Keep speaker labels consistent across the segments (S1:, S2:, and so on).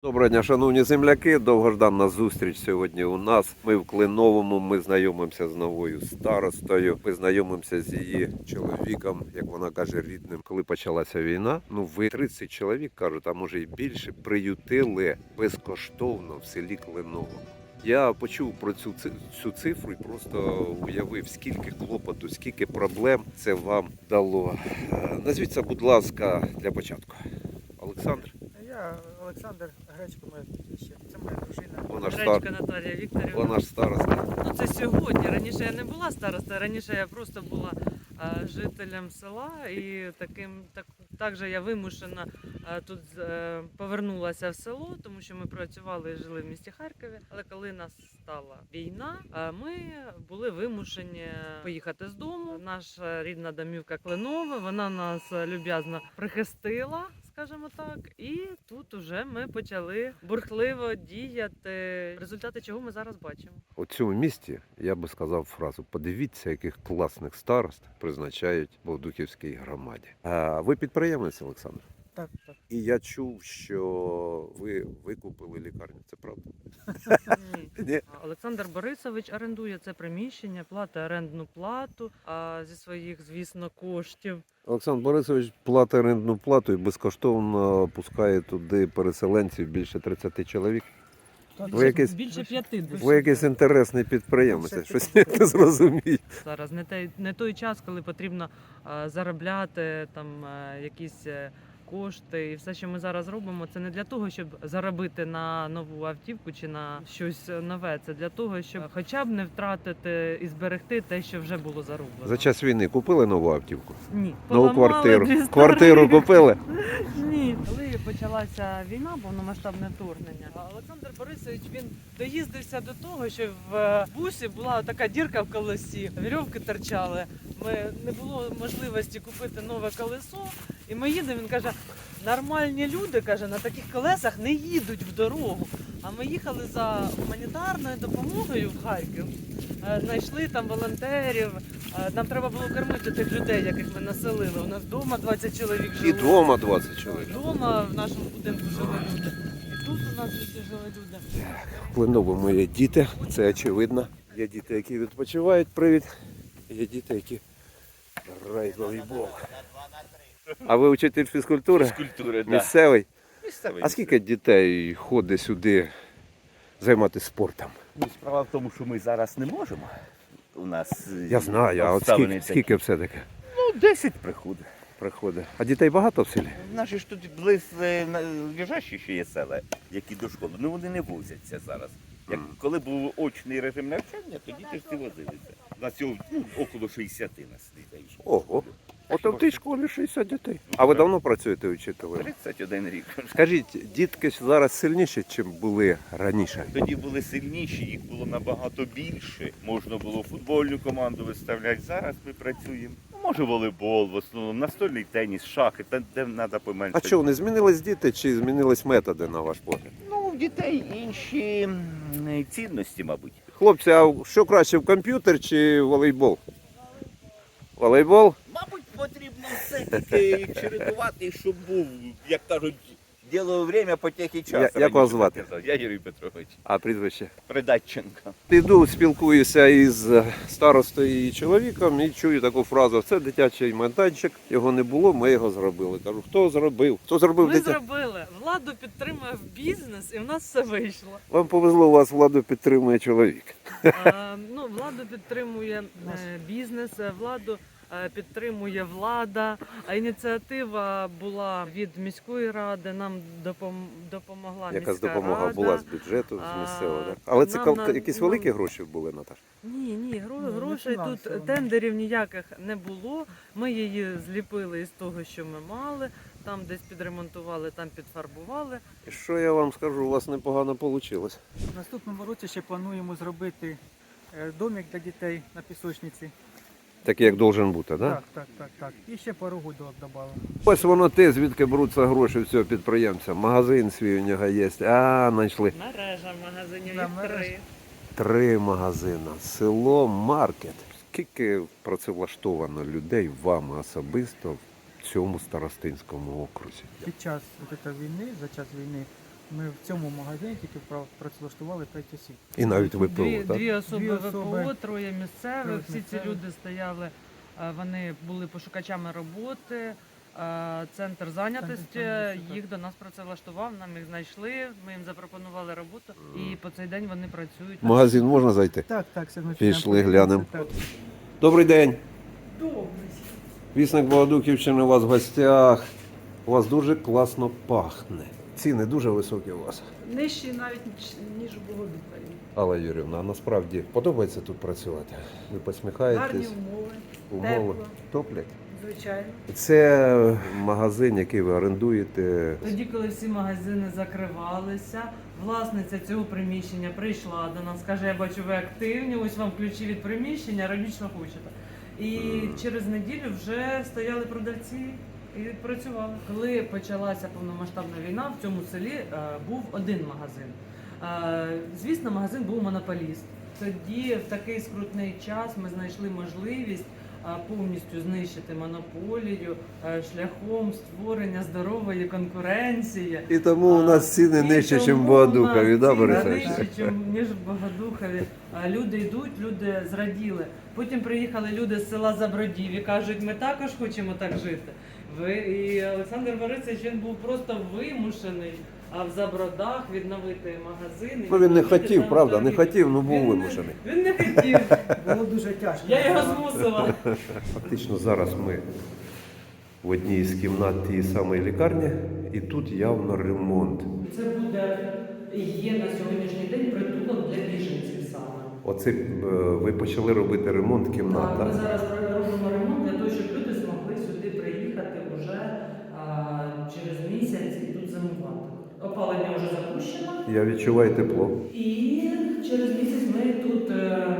S1: Доброго дня, шановні земляки. Довгожданна зустріч сьогодні у нас. Ми в Клиновому, ми знайомимося з новою старостою. Ми знайомимося з її чоловіком, як вона каже, рідним. Коли почалася війна, ви 30 чоловік, кажуть, а може і більше, приютили безкоштовно в селі Клиново. Я почув про цю цифру і просто уявив, скільки клопоту, скільки проблем це вам дало. Назвіться, будь ласка, для початку. Олександр?
S2: Я Олександр, Гречко моє прізвище. Це моя дружина.
S3: Гречко Наталія Вікторівна.
S1: Вона ж староста.
S3: Ну це сьогодні. Раніше я не була старостою, раніше я просто була жителем села і також я вимушена тут повернулася в село, тому що ми працювали і жили в місті Харкові. Але коли настала війна, ми були вимушені поїхати з дому. Наша рідна домівка Клинове, вона нас люб'язно прихистила, скажімо так, і тут уже ми почали бурхливо діяти, результати чого ми зараз бачимо.
S1: У цьому місті я би сказав фразу: подивіться, яких класних старост призначають в Бовдуківській громаді. А ви підприємець, Олександр?
S2: Так, так.
S1: І я чув, що ви викупили лікарню. Це правда?
S3: Ні.
S1: Ні?
S3: Олександр Борисович орендує це приміщення, платить орендну плату зі своїх, звісно, коштів.
S1: Олександр Борисович платить орендну плату і безкоштовно пускає туди переселенців більше 30 чоловік. Ви якийсь-
S3: Більше 50.
S1: Ви якийсь інтересний підприємець, щось я не зрозумію.
S3: Зараз не той час, коли потрібно заробляти там якісь кошти. І все, що ми зараз робимо, це не для того, щоб заробити на нову автівку чи на щось нове. Це для того, щоб хоча б не втратити і зберегти те, що вже було зароблено.
S1: За час війни купили нову автівку?
S3: Ні.
S1: Нову
S3: Поламали
S1: квартиру?
S3: дві старі.
S1: Квартиру купили?
S3: Ні. Коли почалася війна, повномасштабне вторгнення, Олександр Борисович, він доїздився до того, що в бусі була така дірка в колесі, вірьовки торчали. Не було можливості купити нове колесо. І ми їдемо, він каже, нормальні люди, каже, на таких колесах не їдуть в дорогу. А ми їхали за гуманітарною допомогою в Харків, знайшли там волонтерів, нам треба було кормити тих людей, яких ми населили. У нас вдома 20 чоловік жило.
S1: І вдома 20 чоловік.
S3: Вдома в нашому будинку жили люди. І тут у нас всі жили люди.
S1: В Клиновому є діти, це очевидно. Є діти, які відпочивають, привід. Є діти, які грають в волейбол. А ви вчитель фізкультури?
S4: Фізкультури, да.
S1: Місцевий?
S4: Місцевий.
S1: А скільки дітей ходить сюди займатися спортом?
S4: Ну, справа в тому, що ми зараз не можемо. У нас
S1: Я знаю, а от
S4: обставини
S1: скільки
S4: такі.
S1: все-таки
S4: Ну, 10 приходить.
S1: А дітей багато в селі?
S4: Наші ж тут лежачі ще є села, які до школи. Ну вони не возяться зараз. Коли був очний режим навчання, то діти ж всі возилися. У нас цього около 60 нас дітей.
S1: Ого. От в тій школі 60 дітей. А ви давно працюєте вчителем?
S4: 31 рік.
S1: Скажіть, дітки зараз сильніші, ніж були раніше?
S4: Тоді були сильніші, їх було набагато більше. Можна було футбольну команду виставляти. Зараз ми працюємо. Може волейбол, в основному, настольний теніс, шахи, де треба
S1: А
S4: поменше.
S1: що, не змінились діти чи змінились методи, на ваш погляд?
S4: Ну, в дітей інші цінності, мабуть.
S1: Хлопці, а що краще, в комп'ютер чи волейбол? Волейбол?
S4: Мабуть, потрібно все-таки чередувати, щоб був, як кажуть, діло время, потехи час.
S1: Як вас звати?
S4: Я Юрій Петрович.
S1: А прізвище?
S4: Придатченко.
S1: Іду, спілкуюся із старостою і чоловіком і чую таку фразу: це дитячий майданчик, його не було, ми його зробили. Кажу, хто зробив? Хто зробив
S3: Ми
S1: дитя?
S3: зробили. Владу підтримує в бізнес і в нас все вийшло.
S1: Вам повезло, у вас владу підтримує чоловік.
S3: Владу підтримує бізнес, владу підтримує влада. А ініціатива була від міської ради, нам допомогла
S1: Якась
S3: міська
S1: допомога
S3: рада.
S1: була з бюджету, з місцевого, так? Але це якісь великі гроші були, Наташ?
S3: Ні,
S2: не
S3: грошей тут
S2: фінансово.
S3: тендерів ніяких не було. Ми її зліпили із того, що ми мали. Там десь підремонтували, там підфарбували.
S1: І що я вам скажу, у вас непогано вийшло.
S2: В наступному році ще плануємо зробити домик для дітей на пісочниці.
S1: Такий, як должен бути, так?
S2: Так. І ще пару гудок додали.
S1: Ось воно те, звідки беруться гроші в цього підприємця. Магазин свій у нього є. Знайшли.
S3: Мережа магазинів
S2: Да,
S3: їх
S2: мережа.
S3: 3.
S1: 3 магазини. Село Маркет. Скільки працевлаштовано людей вами особисто в цьому старостинському окрузі?
S2: Під час війни, за час війни Ми в цьому магазині тільки працевлаштували 5 осіб.
S1: І навіть ВПО,
S3: Дві,
S1: так?
S3: дві особи
S2: Дві
S3: ВПО,
S2: особи.
S3: троє місцевих.
S2: Троє
S3: Всі ці
S2: місцевих.
S3: люди стояли, вони були пошукачами роботи. Центр зайнятості
S2: зайнятості, так.
S3: їх до нас працевлаштував, нам їх знайшли, ми їм запропонували роботу і по цей день вони працюють.
S1: В магазин можна зайти?
S2: Так, сьогодні
S1: Пішли, глянемо.
S2: Так.
S1: Добрий день.
S3: Добре.
S1: Вісник Богодухівщини у вас в гостях. У вас дуже класно пахне. Ціни дуже високі у вас.
S3: Нижчі навіть ніж у Богодухові.
S1: Алла Юрівна, а насправді подобається тут працювати? Ви посміхаєтесь?
S3: Гарні умови,
S1: Умови
S3: тепло.
S1: топлять?
S3: звичайно.
S1: Це магазин, який ви орендуєте.
S3: Тоді, коли всі магазини закривалися, власниця цього приміщення прийшла до нас, каже, я бачу, ви активні, ось вам ключі від приміщення, робіть, що хочете. І через неділю вже стояли продавці і працювали. Коли почалася повномасштабна війна, в цьому селі був один магазин. Звісно, магазин був монополіст. Тоді, в такий скрутний час, ми знайшли можливість повністю знищити монополію шляхом створення здорової конкуренції.
S1: І тому у нас ціни
S3: І
S1: нижче, ніж в
S3: тому
S1: Богодухові,
S3: у
S1: да,
S3: нас ціни
S1: Борисович?
S3: нижче, ніж в Богодухові. Люди йдуть, люди зраділи. Потім приїхали люди з села Забродів і кажуть, ми також хочемо так жити. І Олександр Борисович, він був просто вимушений в Забродах відновити магазин.
S1: Ну він не хотів, правда, не хотів, ну був
S3: Він не-
S1: вимушений.
S3: Він не хотів.
S2: Було дуже тяжко.
S3: Я його змусила.
S1: Фактично зараз ми в одній із кімнат тієї самої лікарні, і тут явно ремонт.
S3: Це буде і є на сьогоднішній день притулок для біженців саме.
S1: Оце ви почали робити ремонт кімнат,
S3: Так, ми
S1: так?
S3: зараз робимо ремонт для того, щоб люди змогли сюди приїхати вже через місяць і тут зимувати. Опалення вже запущено.
S1: Я відчуваю тепло.
S3: І через місяць ми тут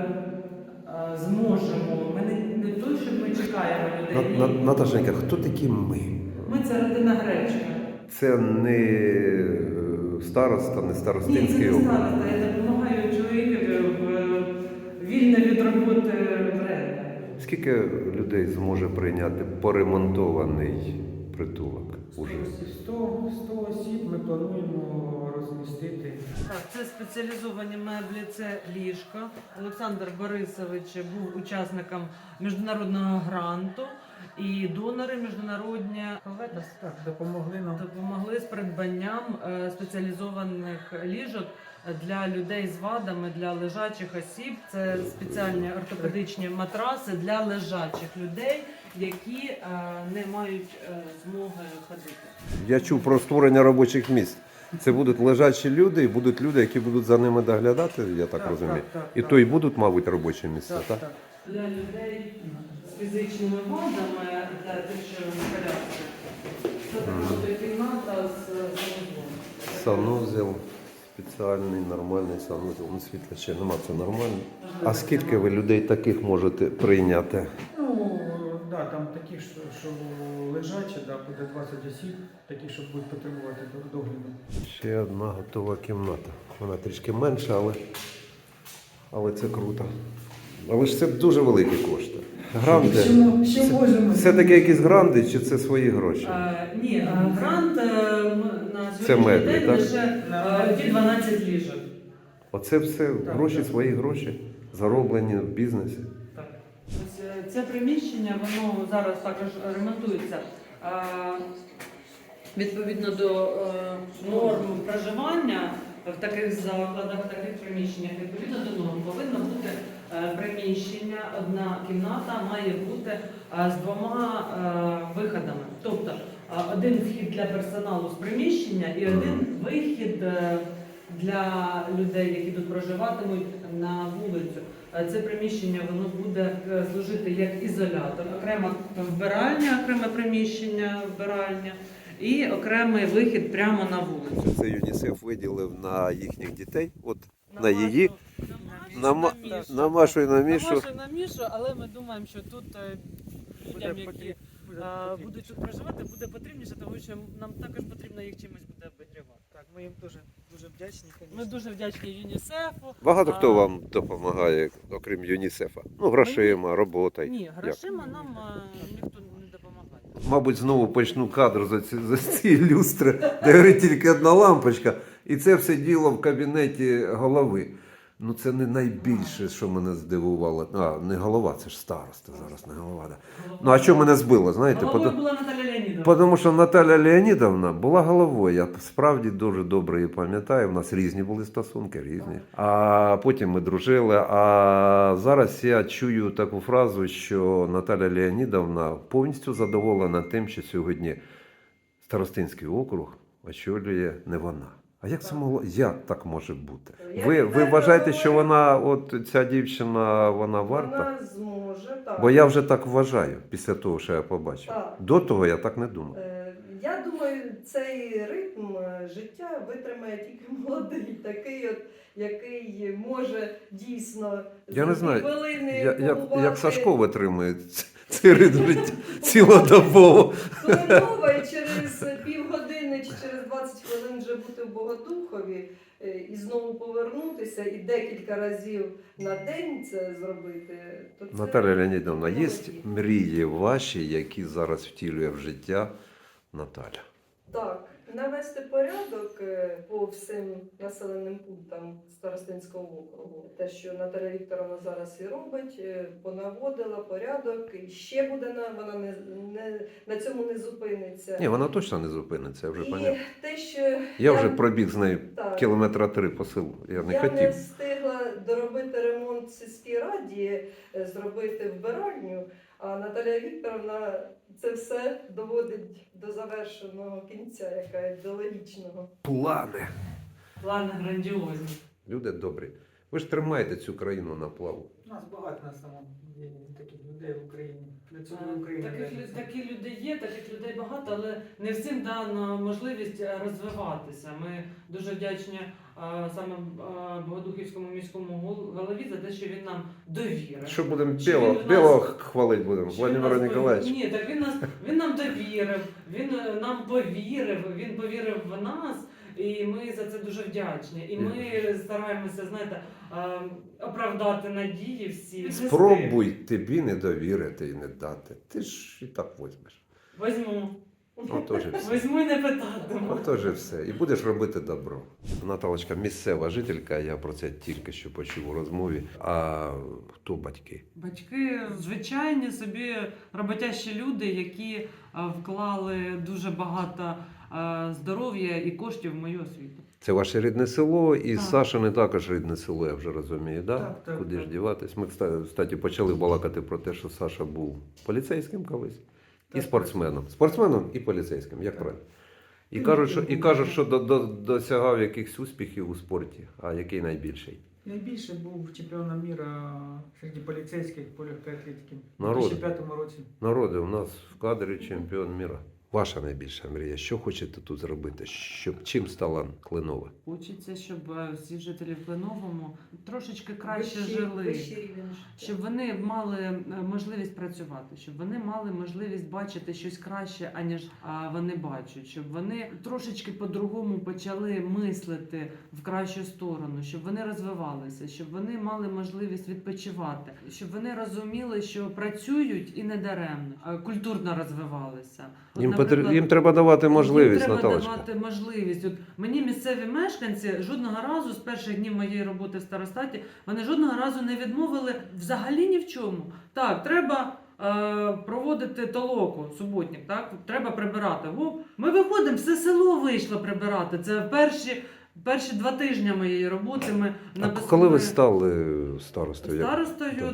S3: зможемо. Ми не то, щоб ми чекаємо людей. ні.
S1: Наташенька, хто такі ми?
S3: Ми це родина Гречка.
S1: Це не староста, не
S3: Ні, це
S1: старостинський
S3: не
S1: округ.
S3: староста. Я допомагаю чоловікові в вільне від роботи время.
S1: Скільки людей зможе прийняти поремонтований притулок уже?
S2: 100 осіб ми плануємо розмістити.
S3: Так, це спеціалізовані меблі, це ліжко. Олександр Борисович був учасником міжнародного гранту і донори міжнародні
S2: Так, допомогли нам.
S3: допомогли з придбанням спеціалізованих ліжок для людей з вадами, для лежачих осіб. Це спеціальні ортопедичні матраси для лежачих людей, які не мають змоги ходити.
S1: Я чув про створення робочих місць. Це будуть лежачі люди, і будуть люди, які будуть за ними доглядати, я так розумію. І то і будуть, мабуть, робочі місця, так?
S3: Для людей з фізичними вадами, для тих, що в колясці. Це така кімната з санузлом.
S1: Санузел, спеціальний, нормальний санузел. Ну, світла ще нема, це нормально. А скільки ви людей таких можете прийняти?
S2: Ну, да, там такі, що лежачі, да, буде 20 осіб, такі, що будуть потребувати догляду.
S1: Ще одна готова кімната. Вона трішки менша, але це круто. Але ж це дуже великі кошти. Гранди.
S2: Що можемо?
S1: Це таке якісь гранди, чи це свої гроші?
S3: Ні, грант на
S1: Це
S3: сьогоднішній
S1: меблі,
S3: день
S1: так?
S3: лише ті 12 ліжок.
S1: Оце все гроші, свої гроші, зароблені в бізнесі.
S3: Так. Ось це приміщення, воно зараз також ремонтується. Відповідно до норм проживання в таких закладах, в таких приміщеннях, відповідно до норм повинно бути приміщення, одна кімната має бути з 2 виходами. Тобто один вхід для персоналу з приміщення і один вихід для людей, які тут проживатимуть на вулицю. Це приміщення воно буде служити як ізолятор, окрема вбиральня, окреме приміщення, вбиральня і окремий вихід прямо на вулицю.
S1: Це ЮНІСЕФ виділив на їхніх дітей, от на її, на Машу і на Мішу.
S3: На Машу і на Мішу, але ми думаємо, що тут людям, які будуть тут проживати, буде потрібніше, тому що нам також потрібно їх чимось буде обігрівати.
S2: Так, ми їм дуже вдячні.
S3: Ми дуже вдячні ЮНІСЕФу.
S1: Багато хто вам допомагає, окрім ЮНІСЕФа? Ну, грошима, роботою.
S3: Ні, грошима нам ніхто не допомагає.
S1: Мабуть, знову почну кадр за ці люстри, де горить тільки одна лампочка, І це все діло в кабінеті голови. Ну це не найбільше, що мене здивувало. Не голова, це ж староста зараз, не голова. Да. Ну а що мене збило, знаєте?
S3: Головою була Наталя Леонідовна.
S1: Тому що Наталя Леонідовна була головою. Я справді дуже добре її пам'ятаю. У нас різні були стосунки, різні. А потім ми дружили. А зараз я чую таку фразу, що Наталя Леонідовна повністю задоволена тим, що сьогодні Старостинський округ очолює не вона. А як це могло? Як так може бути? Ви вважаєте, що вона, от ця дівчина, вона варта?
S5: Вона зможе, так.
S1: Бо я вже так вважаю, після того, що я побачив.
S5: Так.
S1: До того я так не думав.
S5: Я думаю, цей ритм життя витримає тільки молодий, такий, от, який може дійсно
S1: Я не знаю,
S5: хвилини
S1: як Сашко витримує цей ритм життя цілодобово.
S5: Хвилинова і через півгодини чи через 20 хвилин вже бути в Богодухові і знову повернутися, і декілька разів на день це зробити. То це
S1: Наталя Леонідовна, є
S5: молоді.
S1: мрії ваші, які зараз втілює в життя Наталя?
S5: Так, навести порядок по всім населеним пунктам Старостинського округу. Те, що Наталя Вікторовна зараз і робить, понаводила порядок, і ще буде вона на цьому не зупиниться.
S1: Ні, вона точно не зупиниться, я вже
S5: І
S1: пам'ятаю.
S5: те, що
S1: Я вже пробіг з нею
S5: так,
S1: кілометра 3 по селу. Я не
S5: я
S1: хотів.
S5: не встигла доробити ремонт в сільській раді, зробити вбиральню, а Наталя Вікторовна це все доводить до завершеного кінця, яка до логічного.
S1: Плани.
S3: Плани грандіозні.
S1: Люди добрі. Ви ж тримаєте цю країну на плаву.
S2: У нас багато на самом деле таких людей в Україні. Для цього Україна.
S3: Такі люди є, таких людей багато, але не всім дана можливість розвиватися. Ми дуже вдячні саме Богодухівському міському голові за те, що він нам довірив.
S1: Що будемо
S3: Що він у нас-
S1: білого хвалити будемо?
S3: Що він
S1: Владимира
S3: нас
S1: Ніколаєвича.
S3: Ні, так він нам довірив, він нам повірив, він повірив в нас, і ми за це дуже вдячні. І ми стараємося, знаєте, оправдати надії всі.
S1: Спробуй тобі не довірити і не дати. Ти ж і так возьмеш.
S3: Візьму.
S1: Отож і все.
S3: Візьму і не питатиму.
S1: Отож і все. І будеш робити добро. Наталочка місцева жителька, я про це тільки що почув у розмові. А хто батьки?
S3: Батьки звичайні собі роботящі люди, які вклали дуже багато здоров'я і коштів в мою освіту.
S1: Це ваше рідне село, і
S3: Так.
S1: Сашине також рідне село, я вже розумію, да?
S2: Так, так,
S1: Куди ж
S2: так.
S1: діватись? Ми, кстати, почали балакати про те, що Саша був поліцейським колись. І
S2: Так,
S1: спортсменом. Спортсменом і поліцейським, як
S2: Так.
S1: правильно. І
S2: Ну,
S1: кажуть, що досягав якихось успіхів у спорті. А який найбільший?
S2: Найбільше був чемпіоном міра серед поліцейських по легкій атлетики у
S1: Народу.
S2: 2005 році.
S1: Народи, у нас в кадрі чемпіон міра. Ваша найбільша мрія. Що хочете тут зробити? Чим стала Клинова?
S3: Хочеться, щоб всі жителі в Клиновому трошечки краще
S5: Вищий-
S3: жили.
S5: вищий рівень життя.
S3: Щоб вони мали можливість працювати, щоб вони мали можливість бачити щось краще, аніж вони бачать, щоб вони трошечки по-другому почали мислити в кращу сторону, щоб вони розвивалися, щоб вони мали можливість відпочивати, щоб вони розуміли, що працюють і не даремно, а культурно розвивалися. От, наприклад,
S1: Їм треба давати можливість,
S3: їм треба
S1: Наталочка.
S3: давати можливість. От мені місцеві мешканці жодного разу з перших днів моєї роботи в старостаті вони жодного разу не відмовили взагалі ні в чому. Так, треба проводити толоку, суботник, так? Треба прибирати. Ми виходимо, все село вийшло прибирати. Це перші 2 тижні моєї роботи ми
S1: А коли ви стали старостою?
S3: старостою
S1: Так.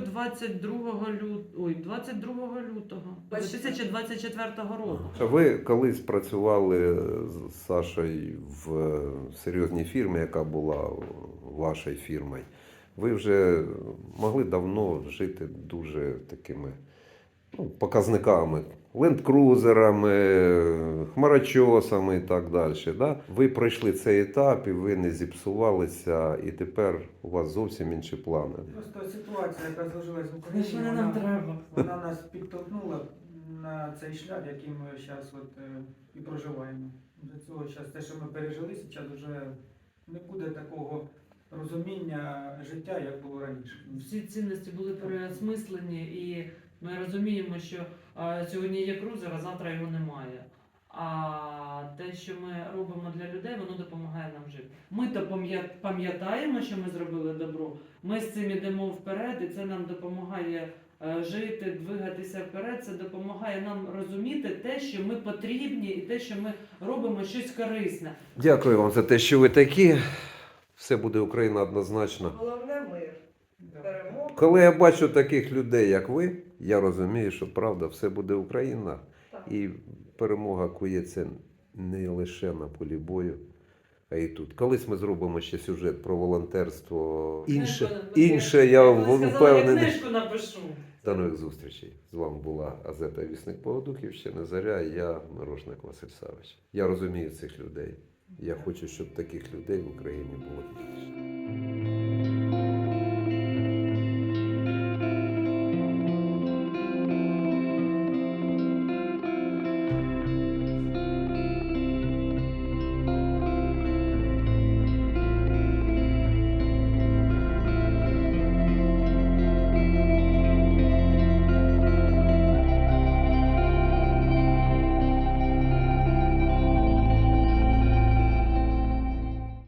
S3: 22 лютого 2024 року.
S1: Ви колись працювали з Сашою в серйозній фірмі, яка була вашою фірмою. Ви вже могли давно жити дуже такими показниками, ленд-крузерами, хмарочосами і так далі. Да? Ви пройшли цей етап і ви не зіпсувалися, і тепер у вас зовсім інші плани.
S2: Просто ситуація, яка зложилась в Україні,
S3: Що нам треба?
S2: вона нас підтолкнула на цей шлях, який ми зараз і проживаємо. До цього зараз те, що ми пережили, зараз вже не буде такого розуміння життя, як було раніше.
S3: Всі цінності були переосмислені, і ми розуміємо, що сьогодні є крузер, а завтра його немає. А те, що ми робимо для людей, воно допомагає нам жити. Ми то пам'ятаємо, що ми зробили добро. Ми з цим йдемо вперед, і це нам допомагає жити, двигатися вперед. Це допомагає нам розуміти те, що ми потрібні, і те, що ми робимо щось корисне.
S1: Дякую вам за те, що ви такі. Все буде Україна однозначно.
S5: Головне мир.
S2: Да.
S5: Перемога.
S1: Коли я бачу таких людей, як ви, я розумію, що правда, все буде Україна.
S5: Так.
S1: І перемога кується не лише на полі бою, а і тут. Колись ми зробимо ще сюжет про волонтерство. Інше я впевнений.
S3: Я книжку напишу.
S1: До нових зустрічей. З вами була Азета Вісник Богодухівщини, Заря, і я Мирошник Василь Савич. Я розумію цих людей. Я хочу, щоб таких людей в Україні було більше.